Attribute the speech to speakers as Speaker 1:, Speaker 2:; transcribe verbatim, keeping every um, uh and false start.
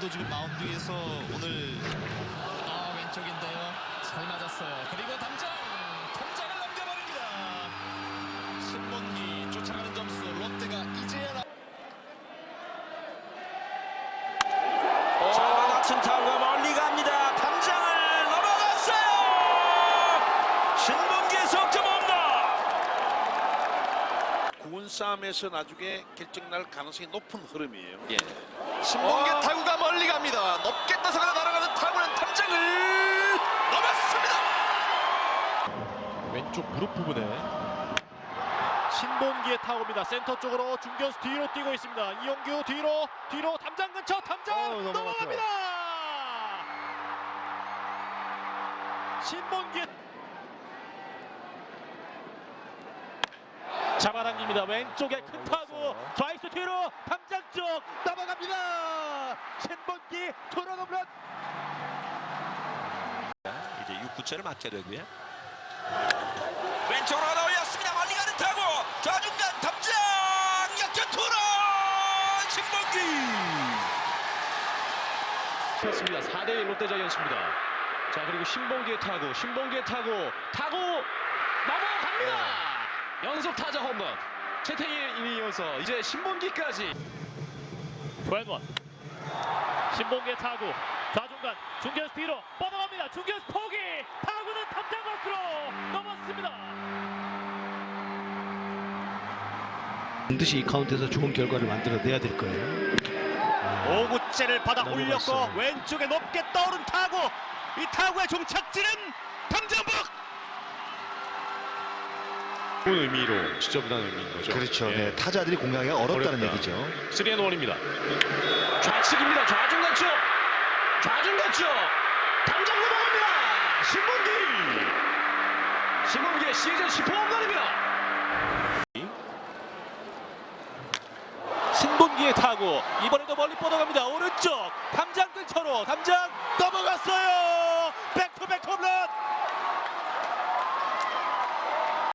Speaker 1: 오늘도 지금 마운드 위에서 오늘 아 왼쪽인데요. 잘 맞았어요. 그리고 당장 통장을 넘겨버립니다. 신문기 쫓아가는 점수 롯데가 이제야 나...
Speaker 2: 자, 낮은 타구가 멀리 갑니다. 담장을 넘어갔어요. 신문기의 석점 홈런.
Speaker 3: 구원 싸움에서 나중에 결정날 가능성이 높은 흐름이에요.
Speaker 1: 예. 신봉계
Speaker 2: 어.
Speaker 1: 타구가 멀리 갑니다. 높게 떠서가 날아가는 타구는 탐장을 넘었습니다.
Speaker 4: 왼쪽 무릎 부분에 신봉기의 타구입니다. 센터 쪽으로 중견수 뒤로 뛰고 있습니다. 이용규 뒤로 뒤로 담장 근처 담장
Speaker 5: 어, 넘어갔어요.
Speaker 4: 넘어갑니다. 신봉기 잡아당깁니다. 왼쪽에 큰 타구 좌익수 뒤로 담장 쪽 넘어갑니다. 신봉기 투런 홈런.
Speaker 2: 이제 육 구째를 맞게 되고요. 왼쪽으로 하나 올렸습니다. 멀리 가는 타구. 좌중간 담장 역전 투런 신봉기.
Speaker 4: 습니다 사 대 일 롯데 자이언츠입니다. 자, 그리고 신봉기의 타구, 신봉기의 타구, 타구 넘어갑니다. 연속 타자 홈런. 최태일이 이어서 이제 신봉기까지. 투앤원. 신봉기의 타구, 좌중간 중견수 뒤로 뻗어갑니다. 중견수 포기. 타구는 담장 밖으로 넘었습니다.
Speaker 5: 반드시 이 카운트에서 좋은 결과를 만들어내야 될 거예요.
Speaker 4: 오 구째를 받아 올렸고
Speaker 5: 넘어갔어요.
Speaker 4: 왼쪽에 높게 떠오른 타구. 이 타구의 종착지는 담장 밖. 좋은 의미로 지저분한 의미인 거죠.
Speaker 6: 그렇죠.
Speaker 4: 예.
Speaker 6: 네, 타자들이 공략하기가 어렵다는
Speaker 4: 어렵다.
Speaker 6: 얘기죠.
Speaker 4: 쓰리 앤 원입니다. 좌측입니다. 좌중간 쪽. 좌중간 쪽. 담장 넘어갑니다. 신문기. 신문기의 시즌 십 호 홈런입니다. 신문기의 타구. 이번에도 멀리 뻗어갑니다. 오른쪽. 담장 근처로. 담장 넘어갔어요.